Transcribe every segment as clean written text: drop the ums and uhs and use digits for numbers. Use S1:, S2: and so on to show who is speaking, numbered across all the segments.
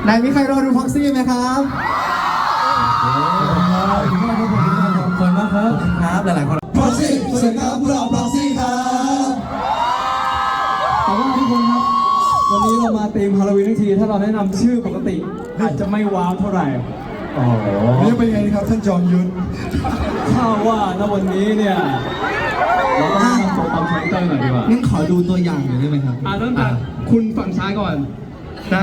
S1: ไหนมีใครรอดูพ็อกซี่ไหมครับ
S2: ขอบคุณมากครับครับหลายๆคน
S1: พ็อกซี่สวัสดีครับพวกเราพ็อกซี่ครับ
S2: แต่ว่าทุกคนครับวันนี้เรามาธีมฮาโลวีนทั้งทีถ้าเราแนะนำชื่อปกติอาจจะไม่ว้าวเท่าไหร่
S1: นี่เป็นไงครับท่านจอมยุทธ
S2: ถ้าว่าณวันนี้เนี่ยเราต้องทำตัวตามคาแรคเตอร์หน่อยดีกว่า
S1: งั้นขอดูตัวอย่างหน่อยได้ไหมครับ
S2: เริ่มจากคุณฝั่งซ้ายก่อนได้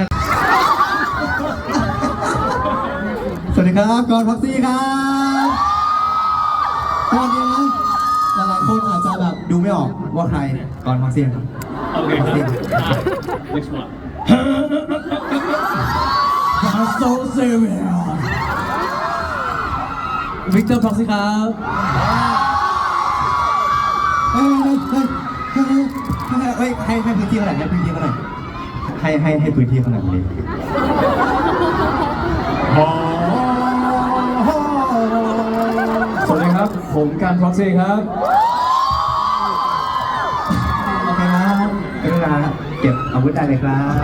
S1: สวัสดีครับกอนพ็อกซี่ครับสวัสดีนะหลายๆคนอาจจะแบบดูไม่ออกว่าใครกอนพ็อกซี่ครับ
S2: โอเคครับ next one so serious วิกเตอร์พ็อกซี่ครับ
S1: เฮ้ยให้พื้นที่เขาหน่อยให้พื้นที่เขาหน่อยให้พื้นที่เขาหน่อยเลย
S2: สวัสดีครับผมการพ็อกซี่ครับ
S1: โอเคครับเวลาเก็บอาวุธได้เลยครับ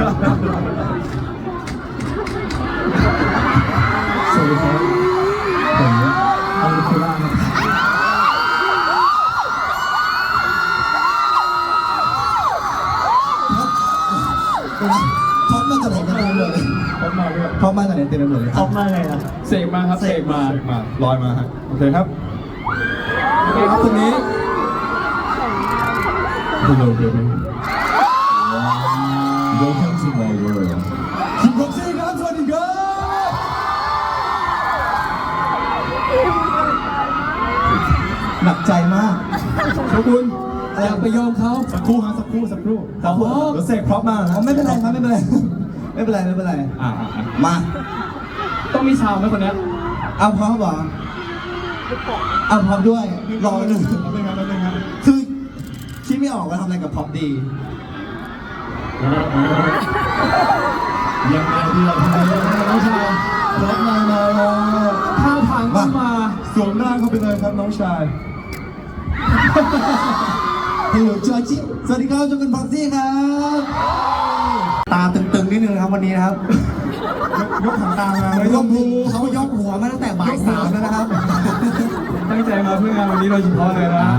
S1: สวัสดีครับผมอาวุธคุล่าครับท็อปมาจากไหนกันเต็มเลยท็อปมาจากไหนเต็มไปหมดเลย
S2: ท็อปมาไงอ่ะเสกมาครับเสกมา
S1: ลอยมาโอเคครับ
S2: โอเคครับคนนี้
S1: Hello baby Welcome to my world คุณพ็อกซี่ครับสวัสดีครับหนักใจมาก
S2: ขอบคุณอย่าไปยอมเขา
S1: สักครู่เดี๋ยวเสกพร็อพมานะไม่เป็นไรครับไม่เป็นไรมา
S2: ต้องมีชาวไหมคนนี้
S1: เอาพร้อมเหรอเอาพร้อมด้วยรอหนึ่งคือคิดไม่ออกว่าทำอะไรกับพร็อพดียังไงดีล่ะน้องชายพร็อพมา
S2: ท่าทางก็มา
S1: สวมร่างเข้าไปเลยครับน้องชายฮัลโหลจอร์จิสวัสดีครับจอกันพ็อกซี่ครับตาตึงๆนิดนึงนะครับวันนี้นะครับยกหางตามาเขายกหัวมาตั้งแต่บ่าย 3แล้วนะครับ
S2: ตั้งใจมาเพื่องานวันนี้โดยเฉพาะเลยนะ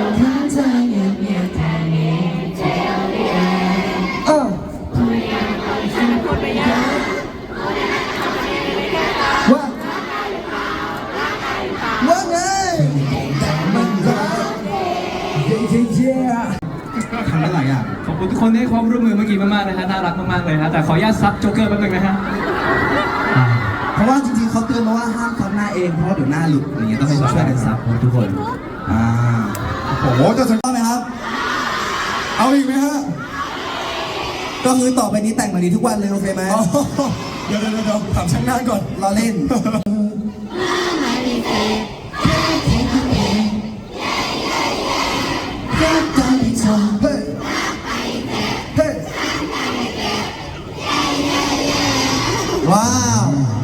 S1: ว่าไงทำได้หลายอย่าง
S2: ขอบคุณทุกคนที่ให้ความร่วมมือเมื่อกี้มากๆนะฮะน่ารักมากๆเลยฮะแต่ขออนุญาตซับโจ๊กเกอร์แป๊บนึงนะฮะ
S1: เพราะว่าจริงๆเขาเตือนมาว่าห้ามซับหน้าเองเพราะเดี๋ยวหน้าหลุดอย่างเงี้ยต้องให้เขาช่วยกันซับทุกคนโอ้โหจะสัญญาไหมครับเอาอีกไหมฮะก็คือต่อไปนี้แต่งแบบนี้ทุกวันเลยโอเคไหมเดี๋ยวถามช่างหน้าก่อนเราเล่นว้าว